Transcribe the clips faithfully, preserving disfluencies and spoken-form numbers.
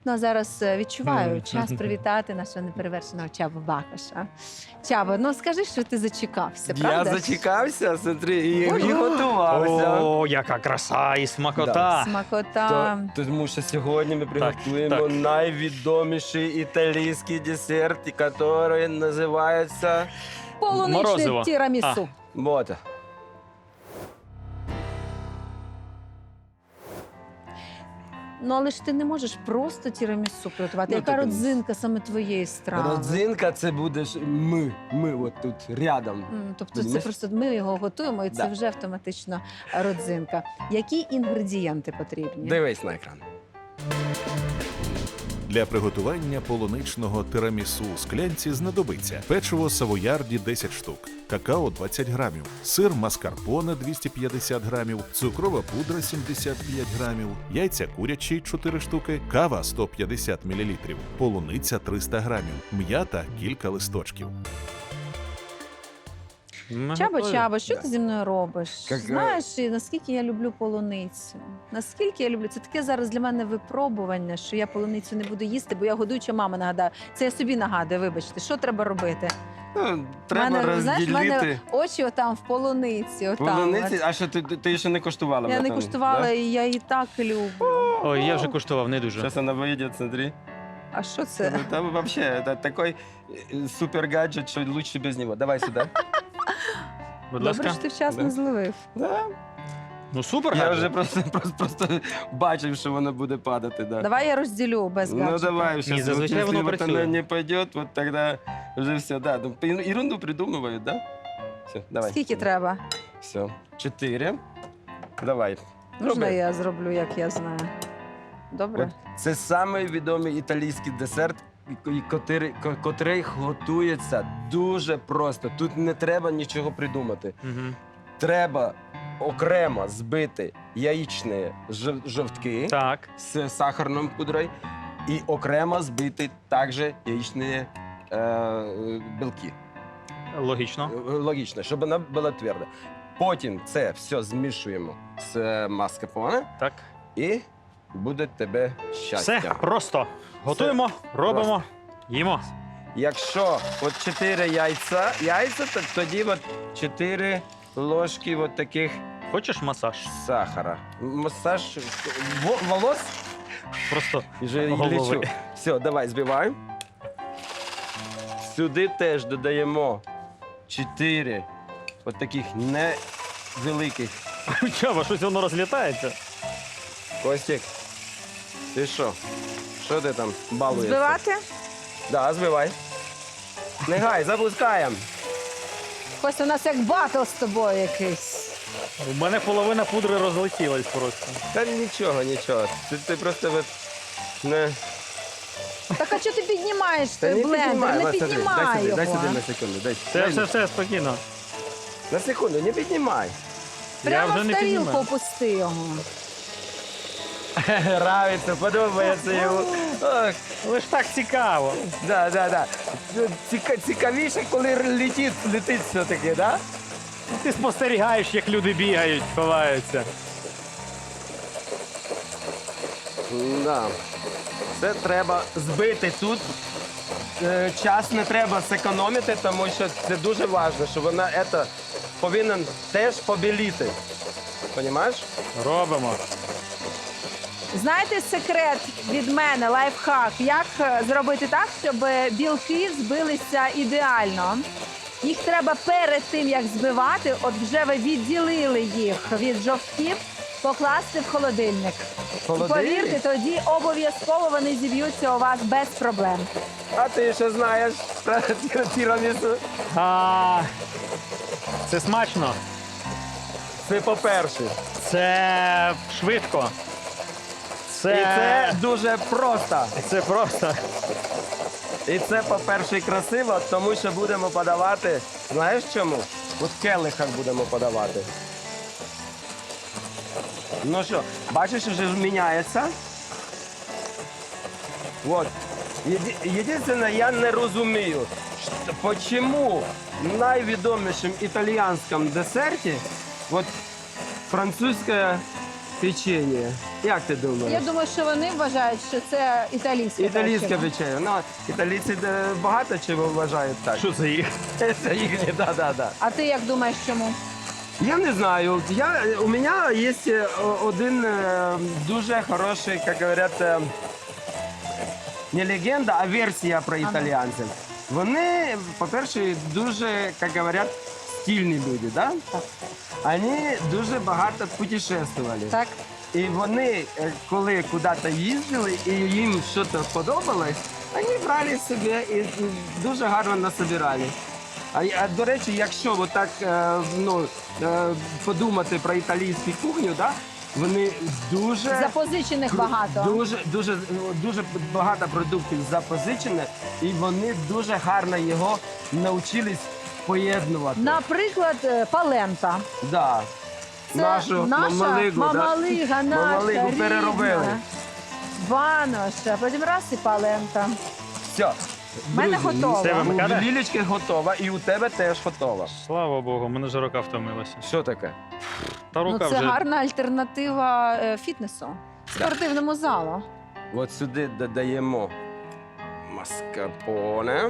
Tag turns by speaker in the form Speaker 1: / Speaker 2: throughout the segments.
Speaker 1: абсолютно зараз е, відчуваю час привітати нашого неперевершеного Чабу Бакоша. Чабо, ну скажи, що ти зачекався,
Speaker 2: Я
Speaker 1: правда?
Speaker 2: зачекався, смотри, і,
Speaker 1: Ой.
Speaker 2: і готувався.
Speaker 3: О, яка краса і смакота.
Speaker 1: Смакота.
Speaker 2: То, тому що сьогодні ми приготуємо
Speaker 3: так.
Speaker 2: найвідоміший італійський десерт, який називається
Speaker 1: Полуничне
Speaker 3: Морозиво.
Speaker 1: тірамісу.
Speaker 2: вот.
Speaker 1: Ну, але ж ти не можеш просто тірамісу приготувати.
Speaker 2: Ну,
Speaker 1: Яка
Speaker 2: так,
Speaker 1: родзинка саме твоєї страви?
Speaker 2: Родзинка це будеш ми, ми от тут рядом.
Speaker 1: М, Тобто це
Speaker 2: Розумієш?
Speaker 1: просто ми його готуємо, і це
Speaker 2: Да.
Speaker 1: вже автоматично родзинка. Які інгредієнти потрібні?
Speaker 2: Дивись на екран.
Speaker 4: Для приготування полуничного тирамісу у склянці знадобиться печиво савоярді десять штук, какао двадцять грамів, сир маскарпоне двісті п'ятдесят грамів, цукрова пудра сімдесят п'ять грамів, яйця курячі чотири штуки, кава сто п'ятдесят мілілітрів, полуниця триста грамів, м'ята кілька листочків.
Speaker 3: Ми
Speaker 1: Чабо,
Speaker 3: готові.
Speaker 1: Чабо, що
Speaker 2: Да.
Speaker 1: ти зі мною робиш?
Speaker 2: Як, е,
Speaker 1: Знаєш, і наскільки я люблю полуницю. Наскільки я люблю. Це таке зараз для мене випробування, що я полуницю не буду їсти, бо я годуюча мама, нагадаю. Це я собі нагадую, вибачте. Що треба робити?
Speaker 2: Ну, треба
Speaker 1: мене, знаєш, в мене
Speaker 2: розділити.
Speaker 1: очі отам в полуниці. Отам.
Speaker 2: Полуниці, а що ти, ти, ти ще не коштувала?
Speaker 1: Я не
Speaker 2: напевно,
Speaker 1: куштувала,
Speaker 2: да?
Speaker 1: і я її так люблю.
Speaker 3: Ой, я вже куштував, не дуже.
Speaker 2: Зараз вона вийде, смотри.
Speaker 1: А що це?
Speaker 2: Ну, Там вообще это такой э, супер гаджет, що лучше без нього. Давай сюди.
Speaker 3: Будь
Speaker 1: Добре,
Speaker 3: ласка.
Speaker 1: що ти вчасно
Speaker 2: Да.
Speaker 1: зловив.
Speaker 2: Да.
Speaker 3: Ну супер,
Speaker 2: Я
Speaker 3: гаджет.
Speaker 2: вже просто, просто, просто бачив, що воно буде падати. Да.
Speaker 1: Давай я розділю без
Speaker 2: Ну
Speaker 1: гаджета.
Speaker 2: давай,
Speaker 3: Ні,
Speaker 2: сейчас,
Speaker 3: зазвичай
Speaker 2: если
Speaker 3: воно
Speaker 2: вот
Speaker 3: працює.
Speaker 2: она не пойдет, вот тогда уже все, да. Ну, ер- ерунду придумывают, да? Все, давай.
Speaker 1: Скільки треба?
Speaker 2: Все. Чотири. Давай.
Speaker 1: Можна
Speaker 2: Роби.
Speaker 1: я зроблю, як я знаю? Добре?
Speaker 2: От це самий відомий італійський десерт, і- і котрий, ко- котрий готується дуже просто. Тут не треба нічого придумати.
Speaker 3: Мгм.
Speaker 2: Треба окремо збити яєчні жов- жовтки
Speaker 3: Так.
Speaker 2: з сахарною пудрою і окремо збити також яєчні е, білки.
Speaker 3: Логічно.
Speaker 2: Е, Логічно, щоб вона була тверда. Потім це все змішуємо з маскарпоне
Speaker 3: Так.
Speaker 2: і буде тебе щастя.
Speaker 3: Все просто. Готуємо, робимо, їмо.
Speaker 2: Якщо от чотири яйця, яйця, то тоді от чотири ложки от таких
Speaker 3: Хочеш масаж?
Speaker 2: сахара. Масаж во- волос
Speaker 3: Просто
Speaker 2: вже
Speaker 3: Голови.
Speaker 2: лічу. Все, давай збиваємо. Сюди теж додаємо чотири от таких невеликих.
Speaker 3: Чаба, щось воно розлітається.
Speaker 2: Костік, ти що? Що ти там балуєшся?
Speaker 1: Збивати?
Speaker 2: Да, збивай. Негай, запускаємо.
Speaker 1: Костя, у нас як батл з тобою якийсь.
Speaker 3: У мене половина пудри розлетілась просто.
Speaker 2: Та нічого, нічого. Ти, ти просто от не...
Speaker 1: Так а чого ти піднімаєш
Speaker 2: Та
Speaker 1: той
Speaker 2: не
Speaker 1: блендер?
Speaker 2: піднімай.
Speaker 1: Не
Speaker 2: Ладно, смотри,
Speaker 1: піднімай
Speaker 2: дай сюди,
Speaker 1: його.
Speaker 2: дай сюди на секунду. Дай,
Speaker 3: Все,
Speaker 2: дай
Speaker 3: все, все, спокійно.
Speaker 2: На секунду, не піднімай.
Speaker 1: Прямо
Speaker 3: Я вже
Speaker 1: в
Speaker 3: не
Speaker 1: тарілку
Speaker 3: піднімаю.
Speaker 1: опусти його.
Speaker 2: Нравиться, подобається йому. Ох,
Speaker 3: Але ж так цікаво.
Speaker 2: да, да, да. Ціка, цікавіше, коли летить, летить все-таки, да?
Speaker 3: Ти спостерігаєш, як люди бігають, ховаються.
Speaker 2: Да. Це треба збити тут. Е, Час не треба зекономити, тому що це дуже важливо, що вона это, повинна теж побіліти. Понімаєш?
Speaker 3: Робимо.
Speaker 1: Знаєте секрет від мене, лайфхак, як е, зробити так, щоб білки збилися ідеально? Їх треба перед тим, як збивати, от вже ви відділили їх від жовтків, покласти в холодильник. І повірте, тоді обов'язково вони зіб'ються у вас без проблем.
Speaker 2: А ти що знаєш про тір- тірамісу?
Speaker 3: А, це смачно.
Speaker 2: Це по-перше.
Speaker 3: Це швидко. Це,
Speaker 2: І це дуже просто.
Speaker 3: це просто.
Speaker 2: І це, по-перше, красиво, тому що будемо подавати. Знаєш чому? От в келихах будемо подавати. Ну що, бачиш, вже міняється. От. Єди- Єдине, я не розумію, що- чому в найвідомішому італійському десерті от французьке печення. Як ти думаєш?
Speaker 1: Я думаю, що вони вважають, що це італійське.
Speaker 2: Італійське
Speaker 1: печиво.
Speaker 2: печення. Ну, італійці е, багато чого вважають так.
Speaker 3: Що це їх?
Speaker 2: Це їхні, да, да, да.
Speaker 1: А ти як думаєш, чому?
Speaker 2: Я не знаю. Я, у меня есть э, один э, дуже хороший, как говорят, э, не легенда, а версія про італійців. Вони, по-перше, дуже, як говорять, стильні люди, да?
Speaker 1: Так.
Speaker 2: Вони дуже багато путешествували.
Speaker 1: Так.
Speaker 2: І вони, е, коли куди-то їздили і їм щось сподобалось, вони брали собі і м, дуже гарно насобирали. А, а до речі, якщо отак е, ну, е, подумати про італійську кухню, да, вони дуже,
Speaker 1: Запозичених багато.
Speaker 2: дуже, дуже, дуже багато продуктів запозичені, і вони дуже гарно його навчились поєднувати.
Speaker 1: Наприклад, е, палента.
Speaker 2: Да.
Speaker 1: Це
Speaker 2: Нашу
Speaker 1: наша
Speaker 2: мамалигу,
Speaker 1: мамалига,
Speaker 2: да?
Speaker 1: наша
Speaker 2: Мамалигу
Speaker 1: рідна.
Speaker 2: переробили.
Speaker 1: Баноша, потім раз і палента.
Speaker 2: Все.
Speaker 1: В мене
Speaker 2: Друзі,
Speaker 1: готово.
Speaker 3: Це ви
Speaker 2: У
Speaker 3: Микола?
Speaker 2: Лілічки готова, і у тебе теж готова.
Speaker 3: Слава Богу, мене вже рука втомилася.
Speaker 2: Що таке?
Speaker 3: Та
Speaker 1: Ну,
Speaker 3: рука
Speaker 1: це
Speaker 3: вже.
Speaker 1: гарна альтернатива е, фітнесу, спортивному залу.
Speaker 2: От сюди додаємо маскарпоне.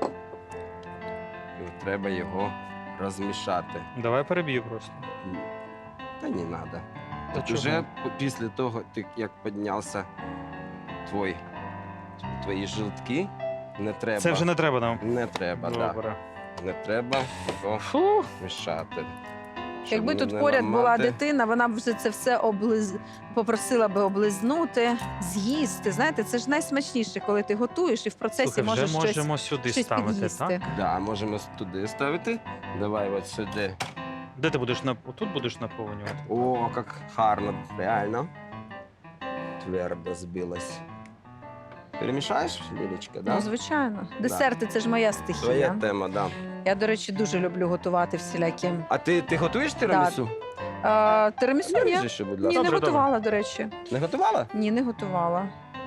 Speaker 2: І треба його розмішати.
Speaker 3: Давай переб'ю просто.
Speaker 2: Та не треба.
Speaker 3: Та
Speaker 2: От
Speaker 3: чого?
Speaker 2: уже після того, ти- як піднявся твій, твої жилтки, не треба.
Speaker 3: Це вже не треба нам.
Speaker 2: Не треба, так.
Speaker 3: Добре.
Speaker 2: Да. Не треба його
Speaker 3: Фу.
Speaker 2: мішати. Щоб
Speaker 1: Якби
Speaker 2: не-
Speaker 1: тут
Speaker 2: не
Speaker 1: поряд була
Speaker 2: ламати.
Speaker 1: дитина, вона б вже це все облиз... попросила би облизнути, з'їсти. Знаєте, це ж найсмачніше, коли ти готуєш і в процесі
Speaker 3: Слухай,
Speaker 1: можеш
Speaker 3: вже
Speaker 1: щось,
Speaker 3: можемо сюди
Speaker 1: щось
Speaker 3: ставити,
Speaker 1: під'їсти.
Speaker 3: так?
Speaker 2: Да, можемо туди ставити. Давай от сюди.
Speaker 3: Де ти будеш на тут будеш наповнювати?
Speaker 2: О, як гарно, реально. Твердо збилось. Перемішаєш, Лілічка, да?
Speaker 1: Ну, звичайно. Десерти це ж моя
Speaker 2: Твоя
Speaker 1: стихія.
Speaker 2: тема, да.
Speaker 1: Я, до речі, дуже люблю готувати всілякі.
Speaker 2: А ти, ти готуєш тирамісу?
Speaker 1: А, Тирамісу ні.
Speaker 2: Скажи, що, будь
Speaker 1: Ні,
Speaker 2: ласка.
Speaker 1: не
Speaker 3: Добре, добре.
Speaker 1: готувала, до речі.
Speaker 2: Не готувала?
Speaker 1: Ні, не готувала.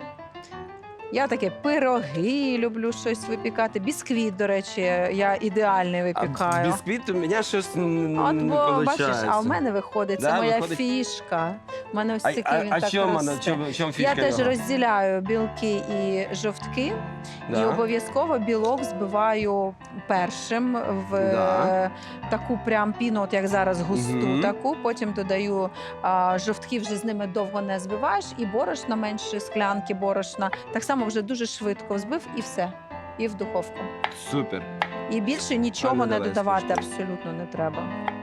Speaker 1: Я таке пироги люблю щось випікати. Бісквіт, до речі, я ідеальний
Speaker 2: А
Speaker 1: випікаю.
Speaker 2: бісквіт у мене щось н-
Speaker 1: От,
Speaker 2: не
Speaker 1: бо
Speaker 2: получається.
Speaker 1: бачиш, а в мене виходить, це
Speaker 2: Да,
Speaker 1: моя
Speaker 2: виходить?
Speaker 1: фішка. У мене ось
Speaker 2: А,
Speaker 1: такий
Speaker 2: а,
Speaker 1: він
Speaker 2: а
Speaker 1: так
Speaker 2: чому,
Speaker 1: росте.
Speaker 2: вона- чому, чому фішка
Speaker 1: Я теж
Speaker 2: його?
Speaker 1: розділяю білки і жовтки, і
Speaker 2: Да.
Speaker 1: обов'язково білок збиваю першим в
Speaker 2: Да.
Speaker 1: е, таку прям піну, от як зараз густу
Speaker 2: Мгм.
Speaker 1: таку. Потім додаю а, жовтки, вже з ними довго не збиваєш, і борошна менше склянки борошна. Так само вже дуже швидко взбив і все. І в духовку.
Speaker 2: Супер.
Speaker 1: І більше
Speaker 2: А
Speaker 1: нічого
Speaker 2: ну,
Speaker 1: не
Speaker 2: давай,
Speaker 1: додавати
Speaker 2: скажи.
Speaker 1: абсолютно не треба.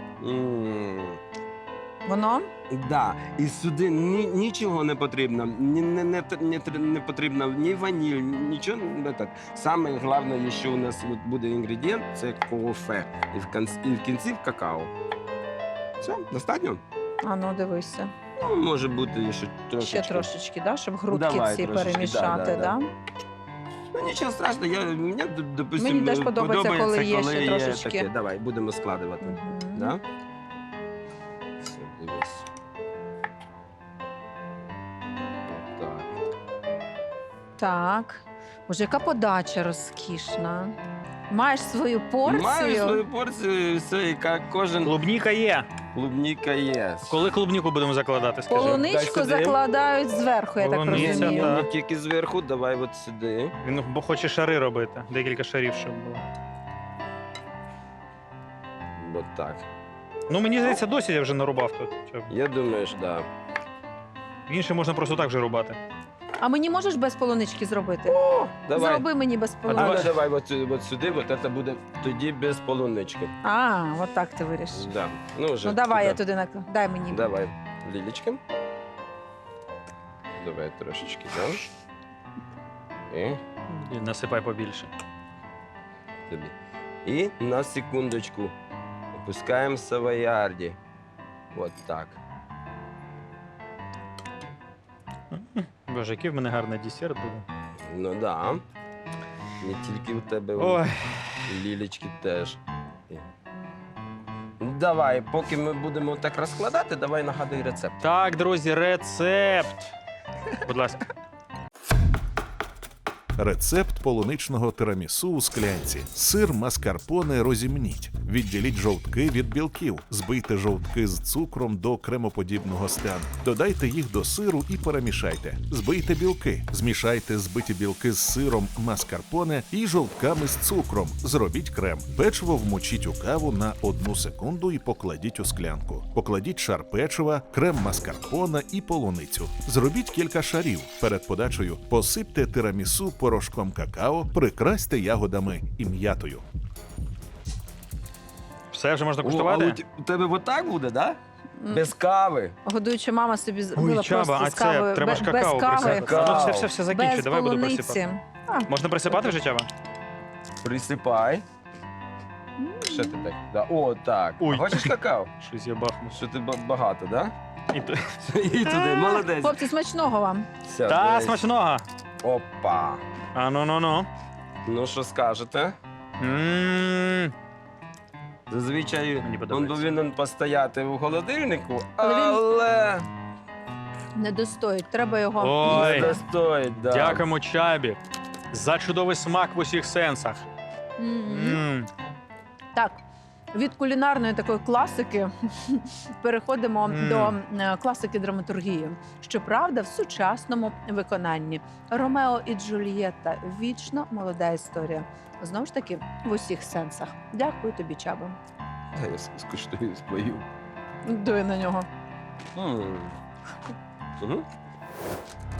Speaker 2: М.
Speaker 1: Воно
Speaker 2: Да, і сюди ні, нічого не потрібно. Ні, не, не, не, тр- не потрібно ні ваніль, нічого не так. Саме головне, що у нас от буде інгредієнт, це кофе. І в кінці, і в кінці какао. Все, достатньо?
Speaker 1: а ну дивися.
Speaker 2: Ну, може бути ще трошечки.
Speaker 1: Ще трошечки, да, щоб грудки
Speaker 2: Давай
Speaker 1: ці
Speaker 2: трошечки,
Speaker 1: перемішати.
Speaker 2: да, да,
Speaker 1: Да,
Speaker 2: да. Ну нічого страшного, я, мені, допустим,
Speaker 1: Мені теж подобається, коли є ще
Speaker 2: коли
Speaker 1: трошечки.
Speaker 2: таке. Давай, будемо складувати.
Speaker 1: Мгм.
Speaker 2: Да? Все, дивись. Так.
Speaker 1: Так. Боже, яка подача розкішна. Маєш свою порцію.
Speaker 2: Маю свою порцію, все, яка кожен
Speaker 3: Клубніка є.
Speaker 2: клубніка є.
Speaker 3: Коли клубніку будемо закладати, скажи.
Speaker 1: Полуничку
Speaker 2: Дай сюди.
Speaker 1: закладають зверху, я так
Speaker 3: Полуниця,
Speaker 1: розумію.
Speaker 3: так.
Speaker 2: Не тільки зверху, давай от сюди.
Speaker 3: Він бо хоче шари робити. Декілька шарів, щоб було.
Speaker 2: От так.
Speaker 3: Ну мені здається, досі я вже нарубав тут. Щоб-
Speaker 2: Я думаю, що да.
Speaker 3: Інше можна просто так же рубати.
Speaker 1: А мені можеш без полунички зробити?
Speaker 2: Давай.
Speaker 1: Зроби мені без
Speaker 2: А ну,
Speaker 1: полунички.
Speaker 2: давай от, сю- от сюди, от це буде тоді без полунички.
Speaker 1: А, от так ти вирішиш.
Speaker 2: Да. Ну, вже
Speaker 1: Ну давай я
Speaker 2: туди.
Speaker 1: туди накладу. Дай мені.
Speaker 2: Давай, Лілічка. Давай трошечки, да? І
Speaker 3: І насипай побільше.
Speaker 2: тобі. І на секундочку опускаємо савоярді. От так.
Speaker 3: Боже, який в мене гарний десерт буде.
Speaker 2: Ну да. Не тільки у тебе, у
Speaker 3: Ой,
Speaker 2: Лілічки теж. І- Давай, поки ми будемо так розкладати, давай нагадуй рецепт.
Speaker 3: так, друзі, рецепт. Будь ласка.
Speaker 4: Рецепт полуничного тирамісу у склянці. Сир маскарпоне розімніть. Відділіть жовтки від білків. Збийте жовтки з цукром до кремоподібного стану. Додайте їх до сиру і перемішайте. Збийте білки. Змішайте збиті білки з сиром маскарпоне і жовтками з цукром. Зробіть крем. Печиво вмочіть у каву на одну секунду і покладіть у склянку. Покладіть шар печива, крем маскарпоне і полуницю. Зробіть кілька шарів. Перед подачею посипте тирамісу порошком какао, прикрасьте ягодами і м'ятою.
Speaker 3: Все вже можна
Speaker 2: О, а
Speaker 3: куштувати?
Speaker 2: у т- у тебе отак буде, да? Без кави.
Speaker 1: Годуюча мама собі
Speaker 3: Ой,
Speaker 1: зробила
Speaker 3: Чаба,
Speaker 1: просто
Speaker 3: а
Speaker 1: з кавою,
Speaker 3: це треба
Speaker 1: бе-
Speaker 3: ж
Speaker 1: без
Speaker 3: какао
Speaker 1: кави,
Speaker 3: присипати.
Speaker 2: Какао.
Speaker 3: Ну, все, все, все закінчу,
Speaker 1: без
Speaker 3: давай буду
Speaker 1: полуниці.
Speaker 3: присипати.
Speaker 1: А,
Speaker 3: Можна присипати вже, Чаба?
Speaker 2: Присипай. Що ти так? Да. О, так.
Speaker 3: Ой.
Speaker 2: А хочеш какао?
Speaker 3: Щось я бахну.
Speaker 2: Що ти ба- багато, да?
Speaker 3: І то-
Speaker 2: І туди, молодець.
Speaker 1: Хлопці, смачного вам.
Speaker 2: Все,
Speaker 3: Та,
Speaker 2: дивись.
Speaker 3: смачного!
Speaker 2: Опа.
Speaker 3: А ну ну ну.
Speaker 2: Ну, що скажете?
Speaker 3: М.
Speaker 2: Зазвичай
Speaker 3: Мені
Speaker 2: він
Speaker 3: подобається.
Speaker 2: повинен постояти в холодильнику,
Speaker 1: Але він-
Speaker 2: але
Speaker 1: Не достоїть, треба його.
Speaker 3: Ой.
Speaker 2: не достоїть. Да.
Speaker 3: Дякуємо Чабі за чудовий смак в усіх сенсах.
Speaker 1: Мгм.
Speaker 3: М.
Speaker 1: Так, від кулінарної такої класики переходимо
Speaker 3: Мм.
Speaker 1: до е, класики драматургії. Щоправда, в сучасному виконанні. Ромео і Джульєтта – вічно молода історія. Знову ж таки, в усіх сенсах. Дякую тобі, Чабо.
Speaker 2: Та я скуштую спою.
Speaker 1: Дуй на нього.
Speaker 2: М. Мгм.